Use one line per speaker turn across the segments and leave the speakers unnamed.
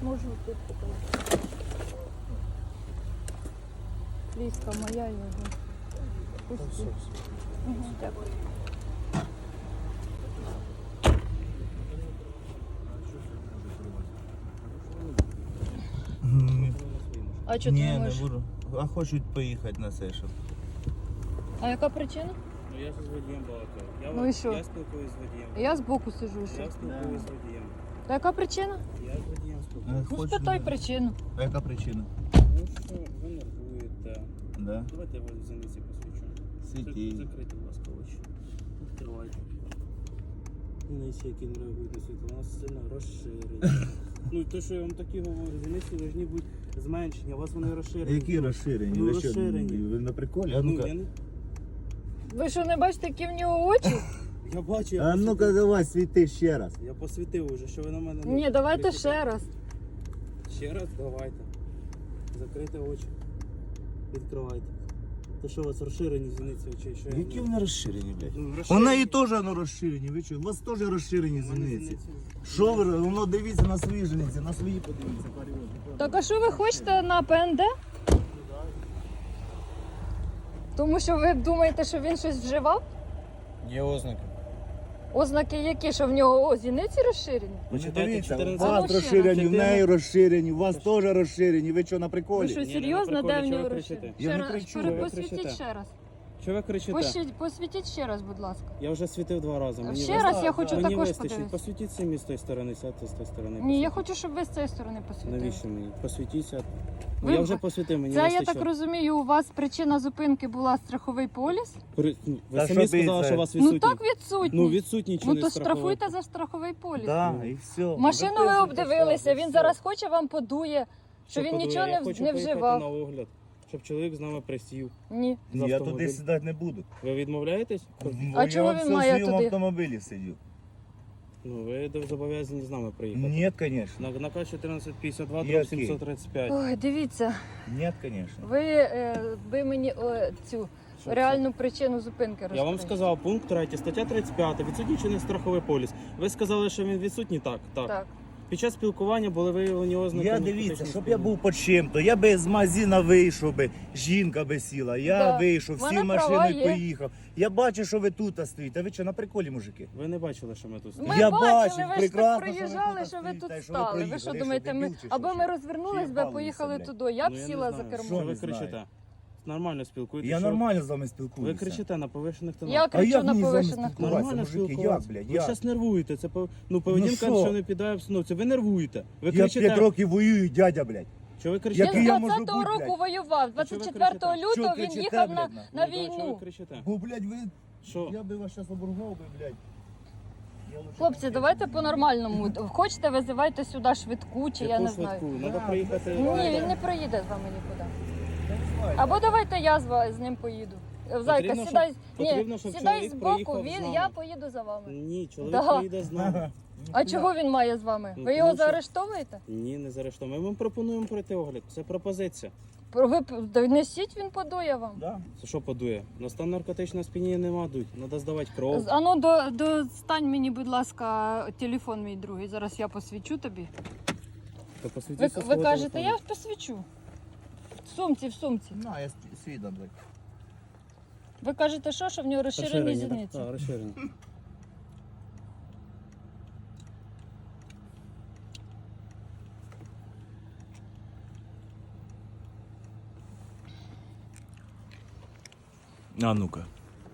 Можу тут показати. Ліска моя його. Пусти. Угу, дякую. А чого ти
Ні,
не
не
можеш?
буду. А хочуть поїхати на Сейшел.
А яка причина?
Ну я ж з водієм балакаю.
Ну і що?
Я спілкуюсь з водієм.
Я збоку сижу
Я
ще.
спілкуюсь з водієм.
Та яка причина?
Я з водієм спілкуюсь.
Ну спитай причину.
А яка причина?
Ну що, ви нервуєте.
Да.
Давайте я вас в зениці посвічу.
Світі.
Закрийте, будь ласка, очі. Відкривайте. Зениці, які не реагують на світло, у нас сильно розширені. Ну, то, що я вам такі говорю, зениці повинні бути зменшені, а у вас вони розширені.
Які розширені?
Ну,
Ви що,
розширені.
ви на приколі? А
Ну,
ну-ка.
я не...
Ви що, не бачите, які в нього очі?
Я бачу, я
А ну-ка
посвітив.
давай, світи ще раз.
Я посвітив уже, що ви на мене...
Ні, давайте ще раз.
Ще раз давайте. Закрийте очі. Відкривайте. То що у вас розширені зіниці очей? Що я
Які
не-
вони розширені, блядь?
Ну,
У
розширені.
неї теж воно розширені, ви що? У вас теж розширені
У мене
зіниці. Що ви, воно дивіться на свої зіниці, на свої подивіться, паріот.
Так а що ви хочете на ПНД? Тому що ви думаєте, що він щось вживав?
Є ознаки.
Ознаки які, що в нього зіниці розширені?
Ви
Почитайте
дивіться, у
14.
вас
Ну, ще
розширені,
раз.
в неї розширені, у вас теж розширені. Ви що, на
Ви
приколі?
що,
Ні, не
серйозно,
на
де
приколі,
в
чого
нього
ви
розширені?
кричите?
Я
Ще
не
раз,
кричу,
ви
посвітіть
кричите.
ще раз.
Що ви кричите?
Посвітіть ще раз, будь ласка.
Я вже світив 2 рази. Мені
Ще
вис-
раз я хочу
Мені
також
вистачить.
подивитися.
Посвітіть самі з тої сторони, сядьте з тої сторони.
Ні, я
посвітіть.
хочу, щоб ви з цієї сторони посвітили.
Навіщо мені? Посвітіться. Ну,
Ви-
я вже посвітив, мені
Це, я
вистачить.
так розумію, у вас причина зупинки була страховий поліс?
Ви
Та
самі
що
сказали,
ти
що
це?
у вас
Ну
відсутній.
так відсутній.
Ну, відсутній чи
Ну
не
то
страховий.
штрафуйте за страховий поліс.
Так, і все.
Машину ви обдивилися, він зараз хоче вам подує, що
Що
він
подує?
нічого
Я
не,
хочу
не
поїхати
вживав.
на огляд, щоб чоловік з нами присів.
Ні.
з
Я
автомобіля.
туди сідати не буду.
Ви відмовляєтесь?
А чого він має
Я в своєму
туди?
автомобілі сидів.
Ну, ви зобов'язані з нами приїхати.
Ні, звісно.
На К-1452,
Який?
дроб 735.
Ой, дивіться,
Ні, звісно.
ви мені цю
Що
реальну причину зупинки розкажіть.
Я вам сказав, пункт 3, стаття 35, відсутній чи не страховий поліс. Ви сказали, що він відсутній? Так, так.
Так.
Під час спілкування були виявлені ознаки.
Я
наркотичного
дивіться, щоб я
сп'яніння.
був по чим-то. Я би з магазина вийшов би, жінка би сіла, я
Да.
вийшов,
Вона
сів в
права
машину і
є.
поїхав. Я бачу, що ви тут стоїте. А ви що, на приколі, мужики?
Ви не бачили, що ми тут
Ми
стоїмо?
Я
бачили,
бачив,
ви ж так
прекрасно,
проїжджали,
що
що
ви
ви
тут
тут
стоїте, що ви
стали. Ви
проїхали.
що
Ви
думаєте,
що,
ми
дебіл чи
аби
що?
ми розвернулись
Чи
би,
їбалися,
поїхали
блядь?
туди. Я б
Ну, я
сіла
не
за
знаю.
кермо.
Що ви
не знаю.
кричите? Нормально спілкуєтесь.
Я
що-
нормально з вами
Ви
спілкуюся.
кричите на повишених тонах.
Я
А
кричу
як
на
мені з вами
повишених.
спілкуватися,
Нормально
мужики? Як,
спілкуватися.
блядь,
Ви
як?
зараз нервуєте. Це поведінка,
що?
що не піддає обстановці. Ви нервуєте. Ви
Я
кричите.
5 років воюю, дядя, блядь.
Що ви кричите?
Який
Він
я
з
можу
20-го
бути,
року
блядь?
воював.
А що ви
24
кричите?
лютого
Що
він
кричите,
їхав
блядь,
на
Ну,
на
да, Що ви
війну.
кричите?
Бо, блядь, ви...
Що?
Я би вас зараз оборгав би, блядь. Я лучше
Хлопці,
вам
давайте
скажу.
по-нормальному. Хочете, визивайте сюди швидку, чи я
Яку
не знаю.
швидку? Треба
Да,
приїхати.
Ні, він не проїде з вами нікуди.
Я не знаю.
Або давайте я з ним поїду. Зайка,
Потрібно,
сідай.
потрібно,
Ні,
щоб
сідай
чоловік
збоку,
проїхав з нами.
я поїду за вами.
Ні, чоловік
Да.
приїде з нами.
А чого він має з вами?
Ну,
Ви його
тому що-
заарештовуєте?
Ні, не заарештуємо. Ми вам пропонуємо пройти огляд. Це пропозиція.
Ви донесіть, він подує вам.
Да.
Це що подує? На стан наркотичного сп'яніння нема дуть. Треба здавати кров.
Ану, достань мені, будь ласка, телефон мій другий. Зараз я посвічу тобі.
То
Ви,
посвітіться
ви
свого
кажете,
телефону.
я посвічу. В сумці, в сумці.
На, я свідом, блядь.
Ви кажете, що в нього розширені
Розширені, так?
зіниці?
Так, розширені.
А ну-ка.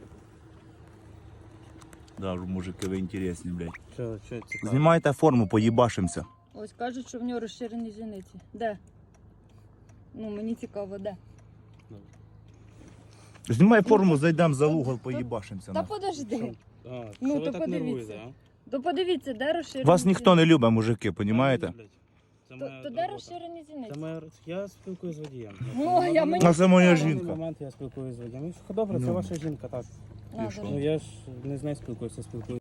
Да, мужики, ви інтересні, блядь.
Що цікаво?
Знімайте форму, поїбашимося.
Ось кажуть, що в нього розширені зіниці. Де? Ну, мені цікаво, де?
Знімай форму, зайдемо за угол, поїбашимося.
Та
нахуй.
подожди.
А,
Ну,
що ви
то
так
подивіться.
нервуєте, а?
То подивіться, де розширені
Вас ніхто не
зіниці.
любить, мужики, понімаєте?
Блядь, Це
То,
моя
то де
робота.
розширені
Це
зіниці?
моя... Я спілкуюсь з водієм.
Ну, я мені-
А це моя
На даний
жінка.
момент я спілкуюсь з водієм. Добре, це
Ну.
ваша жінка, так.
На,
що?
держи.
Ну я ж не з нею спілкуюся, спілкуюся.